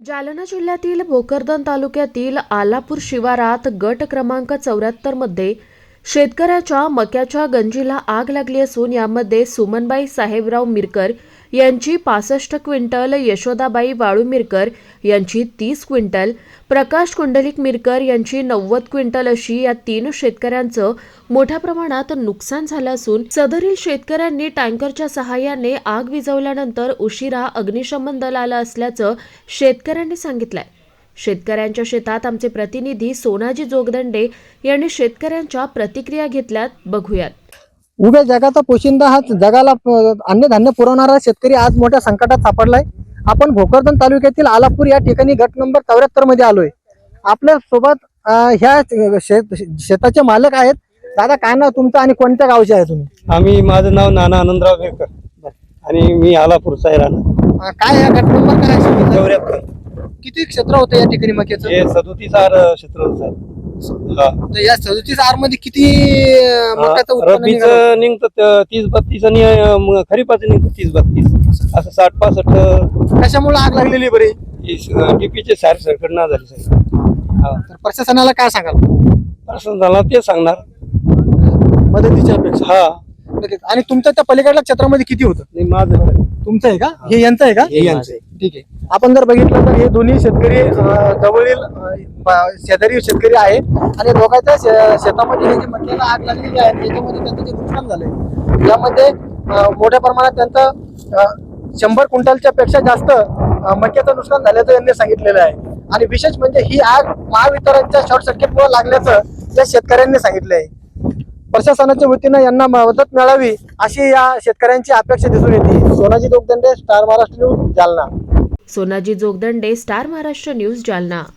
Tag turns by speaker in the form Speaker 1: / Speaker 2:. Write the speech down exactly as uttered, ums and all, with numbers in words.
Speaker 1: जालना जिल्ह्यातील भोकरदन तालुक्यातील आलापूर शिवारात गट क्रमांक चौऱ्याहत्तर मध्ये शेतकऱ्याच्या मक्याच्या गंजीला आग लागली असून यामध्ये सुमनबाई साहेबराव मिरकर यांची पासष्ट क्विंटल, यशोदाबाई वाळू मिरकर यांची तीस क्विंटल, प्रकाश कुंडलिक मिरकर यांची नव्वद क्विंटल अशी या तीन शेतकऱ्यांचं मोठ्या प्रमाणात नुकसान झालं असून सदरील शेतकऱ्यांनी टँकरच्या सहाय्याने आग विझवल्यानंतर उशिरा अग्निशमन दल आलं असल्याचं शेतकऱ्यांनी सांगितलंय। शेतकऱ्यांच्या शेतात आमचे प्रतिनिधी सोनाजी जोगदंडे यांनी शेतकऱ्यांच्या प्रतिक्रिया घेतल्यात, बघूयात।
Speaker 2: उभ्या जगाचा पोशिंदा हा जगाला अन्नधान्य पुरवणारा शेतकरी आज मोठ्या संकटात सापडलाय। आपण भोकरदन तालुक्यातील आलापूर या ठिकाणी गट नंबर चौऱ्याहत्तर मध्ये आलोय। आपल्या सोबत ह्या शेत शेताचे मालक आहेत। दादा, काय नाव तुमचं आणि कोणत्या गावचे आहे तुम्ही?
Speaker 3: आम्ही माझं नाव नाना आनंदराव बेकर आणि मी आलापूरचा आहे राहणार।
Speaker 2: काय या गट नंबर काय आहे?
Speaker 3: चौऱ्याहत्तर।
Speaker 2: किती क्षेत्र होतं या ठिकाणी मक्याचं?
Speaker 3: हे सदोतीस आर क्षेत्र होतं।
Speaker 2: तर या सदोतीस आर मध्ये किती मक्याचं उत्पन्न निघालं?
Speaker 3: रब्बीचं निघतं तीस बत्तीस आणि अं, खरीपाचं निघतं तीस बत्तीस, असं साठ पासष्ट।
Speaker 2: कशामुळे आग लागलेली बरी?
Speaker 3: डीपीचे सार सरकट ना झाले साहेब। हा,
Speaker 2: तर प्रशासनाला काय सांगाल?
Speaker 3: प्रश्न झाला ते सांगणार
Speaker 2: मदतीच्या अपेक्षा।
Speaker 3: हा,
Speaker 2: आणि तुमच्या त्या पलीकडल्या क्षेत्रामध्ये किती होतं?
Speaker 3: नाही माझं
Speaker 2: तुमचं आहे का? हे यांचं आहे का?
Speaker 3: हे यांचं आहे।
Speaker 2: ठीक आहे। आपण जर बघितलं तर हे दोन्ही शेतकरी अं, जवळील अं, ब- शेजारी शेतकरी आहे आणि दोघांच्या शे- शेतामध्ये हे जे मक्याला आग लागलेली आहे त्याच्यामध्ये त्यांचं जे नुकसान झालंय यामध्ये अं, मोठ्या प्रमाणात त्यांचं अं, शंभर क्विंटलच्या पेक्षा जास्त अं, मक्याचं नुकसान झाल्याचं यांनी सांगितलेलं आहे। आणि विशेष म्हणजे ही आग महावितरणच्या शॉर्ट सर्किटमुळे लागल्याचं या शेतकऱ्यांनी सांगितलं आहे। प्रशासनाच्या वतीनं यांना मदत मिळावी अशी या शेतकऱ्यांची अपेक्षा दिसून येते। Sonaji Jogdande, star Maharashtra news, Jalna.
Speaker 1: Sonaji Jogdande, star Maharashtra news, Jalna.